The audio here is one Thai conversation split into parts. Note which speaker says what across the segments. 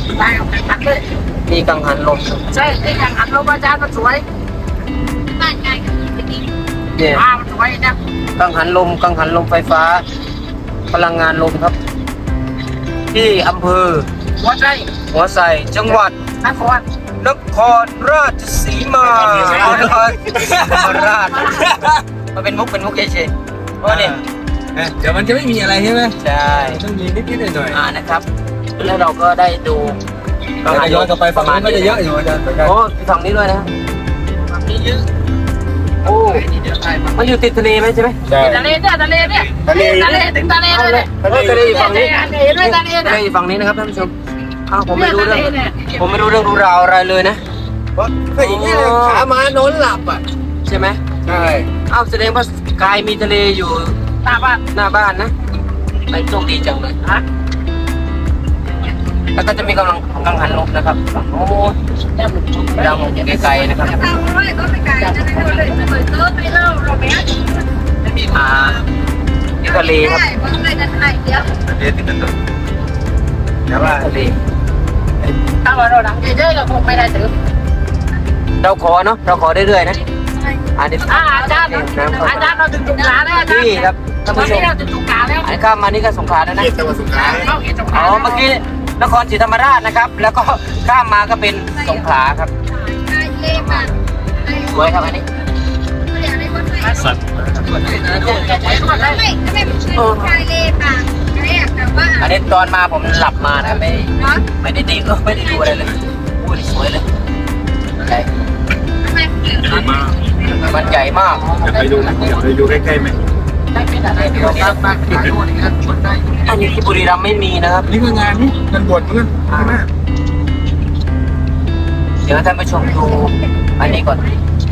Speaker 1: ได้เอาไปพักเลย
Speaker 2: นี่กังหันลม
Speaker 1: ใช่ที่กังหันลมอาจารย์มันสวยบ้านใหญ่ก็ดี
Speaker 2: เนี่ย
Speaker 1: มันสวยนะ
Speaker 2: กังหันลมไฟฟ้า พลังงานลมครับ ที่อำเภอ
Speaker 1: หัวใจ
Speaker 2: หัวไส่จังหวัด
Speaker 1: นคร
Speaker 2: นครราชสีมานครราชมันเป็นมุกเฉยๆเพราะนี่
Speaker 3: เดี๋ยวมันจะไม่มีอะไรใช่ไหม
Speaker 2: ใช่
Speaker 3: ต้องมีนิดหน่อย
Speaker 2: นะครับ แล้วเราก็ได้ดู
Speaker 3: เราจะย้อนกลับไปฝั่งนู้นก็จะเยอะอยู่อาจารย์เหมือนกัน
Speaker 2: โอ้ฝั่งนี้ด้วยนะ
Speaker 1: มีเยอะ
Speaker 2: โอ้มันอยู่ติดทะเลไหมใช่ไหม
Speaker 3: ใช่
Speaker 1: ทะเลเนี่ยทะเลเนี่ยทะเลถึงทะเลเลย
Speaker 2: ทะเลอยู่ฝั่งนี้
Speaker 1: เห็นไหมทะเล
Speaker 2: ทะเล
Speaker 1: เนี่ย
Speaker 2: อยู่ฝั่งนี้นะครับท่านผู้ชมอ้าวผมไม่รู้เรื่องรู้ราวอะไรเลยนะ
Speaker 3: เพราะถ้าอย่างนี้เลยขาม้านอนหลับอ่ะ
Speaker 2: ใช่ไหม
Speaker 3: ใช่
Speaker 2: อ้าวแสดงว่ากายมีทะเลอยู่
Speaker 1: ตาบ้าน
Speaker 2: หน้าบ้านนะไปโชคดีจังเลย
Speaker 1: ฮะ
Speaker 2: แล้วก็จะมีกังหันลมนะครับฝั่งโน้นดังไกลๆนะครับ
Speaker 1: ทางร้อยก็ไม่ไกลนะเลยเปิดเติร์ดไปเล่าเราไม่ได้ไม่มี
Speaker 2: ที่ทะเลครับ
Speaker 1: ได้เพราะไม่ได้ถ่ายเดียว
Speaker 3: เดี๋ยวติดกันตัวแต่ว่า
Speaker 2: ทะเล
Speaker 1: ถ้าว่าเราหลังเยอะๆเราคงไม่ได้ถือ
Speaker 2: เราขอเนาะเราขอเรื่อยๆนะอันนี้
Speaker 1: อาจารย์เราถึงจุกขาแล้วอาจารย์
Speaker 2: นี่ครับท่าน
Speaker 1: ตอน
Speaker 2: ผู้ช
Speaker 1: นี้
Speaker 2: ม
Speaker 1: เราถึงจุกขาแล้ว
Speaker 2: อันนี้ข้ามมานี่ก็สงขลาแล้วนะ
Speaker 3: เกียรติจังหวัดสงขลา
Speaker 1: เราเห็นจุก
Speaker 2: อ๋
Speaker 1: ขา
Speaker 2: อเมื่อกี้นครศรีธรรมราชนะครับ แล้วก็ข้ามมาก็เป็นสงขลาครับสวยครับอันนี้
Speaker 3: สัตว์
Speaker 2: อันนี้ตอนมาผมหลับมานะครับไม่ได้ดีไม่ได้ดูอะไรเลยอุ้ยสวยเลยใหญ่
Speaker 3: มาก
Speaker 2: มันใหญ่มาก
Speaker 3: อยากไปดูอยากไปดูใกล้ๆไหม
Speaker 1: ได้เป็นอะไรที่เราตั้งบ้านขายด้วยนะครับชนได้
Speaker 2: อันนี้ที่บุรีรัมย์ไม่มีนะครับ
Speaker 3: นี่คืองานนี่งานบวชเพื่อนใช่ไหม
Speaker 2: เดี๋ยวท่านผู้ชมดูอันนี้ก่อน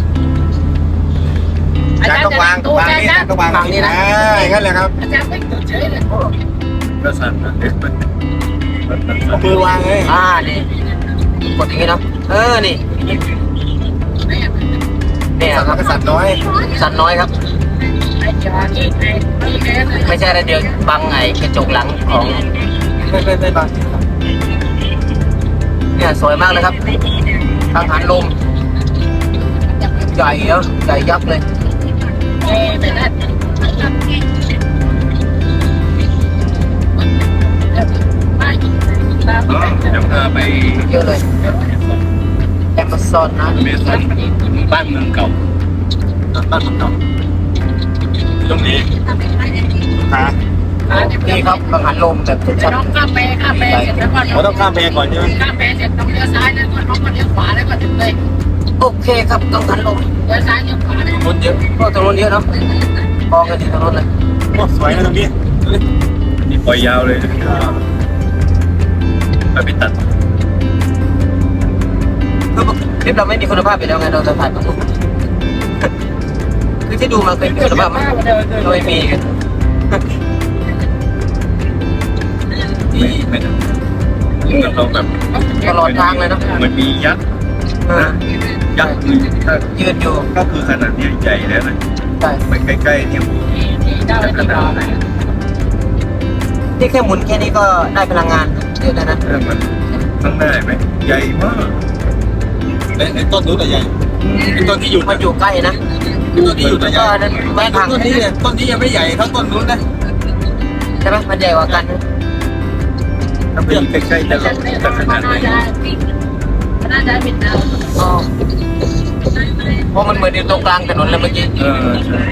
Speaker 1: อาจารย์ต้องวางนี่นะ
Speaker 3: ต้องวางนี่นะงั้นแหละครับ
Speaker 1: อาจารย์ไม่ตื่นเฉยเลย
Speaker 3: ก็สั่นเด็กมันเอามือวางเลย
Speaker 2: นี่กดอย่างนี้เนาะนี่เนี่ย
Speaker 3: สั่น
Speaker 2: ครับ
Speaker 3: ก็สั่นน้อย
Speaker 2: สันน้อยครับ ไม่ใช่อะไรเดียวบังไงกระจกหลังของ
Speaker 3: ไม่บาง
Speaker 2: เนี่ยสวยมากเลยครับกังหันลมใหญ่เยอะใหญ่ยักษ์เลย
Speaker 3: เดี๋ยวพาไป
Speaker 2: เยอะเลยแอมะซอนนะ
Speaker 3: เมสันบ้านเมืองเก่าบ้านเมืองเก่าตรงนี้ค่ะ
Speaker 2: นี่ครับกังหันลมแบบชัด
Speaker 1: น้องข้ามไปเสร็จแล้วก็
Speaker 3: เราต้องข้ามแพก่อนใช่ไหม
Speaker 1: ข้ามไปเสร็จต้องเลี้ยวซ้ายแล้วก็น้องก็เลี้ยวขวาแล้วก็ถึงเลย
Speaker 2: ๆโอเคครับกังหันลม
Speaker 1: เลี้ยวซ้ายเลี้ยวขวาเลย
Speaker 3: คนเยอะ
Speaker 2: ก็ตรงนู้นเยอะเนาะมองกันที่ตรงนู้นเลย
Speaker 3: โอ้สวยนะตรงนี้นี่ปล่อยยาวเลยไปตัด
Speaker 2: คือคลิปเราไม่มีคุณภาพอยู่แล้วไงเราจะถ่ายมาคือที่ดูมาเคยมีคุณภาพไหมเราไม่มีกัน
Speaker 3: ไม่เราแบบ
Speaker 2: ตลอดทางเลยเนาะ
Speaker 3: เหมือนมียักษ์ยักษ์ถ้า
Speaker 2: ยืนอยู่
Speaker 3: ก็คือขนาดนี้ใหญ่แล้วนะ
Speaker 2: ใช่
Speaker 3: ไปใกล้ๆเนี่ย
Speaker 1: ได้เลยติดต่อ
Speaker 2: ที่แค่หมุนแค่นี้ก็ได้พลังงานเยอะแล้วนะ
Speaker 3: มันข้างหน้าไหมใหญ่มากไอ้ต้นนู้นอะใหญ่ไอ้ต้นที่อยู่
Speaker 2: มันอยู่ใกล้นะ
Speaker 3: ต้นที่อยู่แต่ใหญ่
Speaker 2: ก็นั้นไม่พัง
Speaker 3: ต้นนี้เนี่ยต้นนี้ยังไม่ใหญ่เท่าต้นนู้นนะ
Speaker 2: ใช่ไหมมันใหญ่กว่ากัน
Speaker 3: ถ้าไปอยู่ใกล้ๆจะขนาดไหน
Speaker 1: น่าจะเป็นดาว
Speaker 2: อ๋อเพราะมันเหมือนอยู่ตรงกลางถนนเลยเมื่อกี้
Speaker 3: ใช่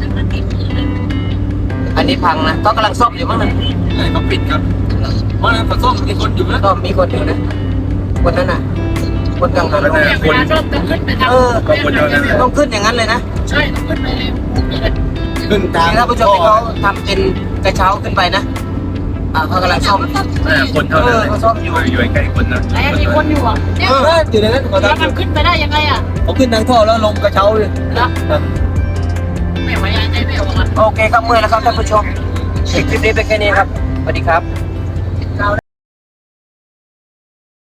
Speaker 2: อันนี้พังนะก็กำลังซ่อมอยู่มั้งนะ
Speaker 3: เขาปิดครับเพราะนั้นผสมมีคนอยู่นะ
Speaker 2: ก็มีคนอยู่นะคนนั้นน่ะคนกังหันลม
Speaker 1: เวลาชอบต้องขึ้นไปทำ
Speaker 3: ก็คนเดียวนั้น
Speaker 2: ต้องขึ้นอย่างนั้นเลยนะ
Speaker 1: ใช่ต้องขึ้นไปเลย
Speaker 3: ขึ้นทาง
Speaker 2: นี่ท่านผู้ชมที่เขาทำเป็นกระเช้าขึ้นไปนะเขากำลังซ่อม
Speaker 3: คนเท่านั้นอยู่ใกล้คนนะ
Speaker 1: แต่มีคนอยู่อ่ะ
Speaker 3: อยู่ในนั้น
Speaker 1: แล้วมันขึ้นไปได้ยังไงอ่ะ
Speaker 3: เขาขึ้นทางท่อแล้วลงกระเช้าเลย
Speaker 1: นะไม่ไหวใจไม่ออกอ่ะ
Speaker 2: โอเคครับเมื่อยแล้วครับท่านผู้ชมคลิปนี้เป็นแค่นี้ครับสวัสดีครับ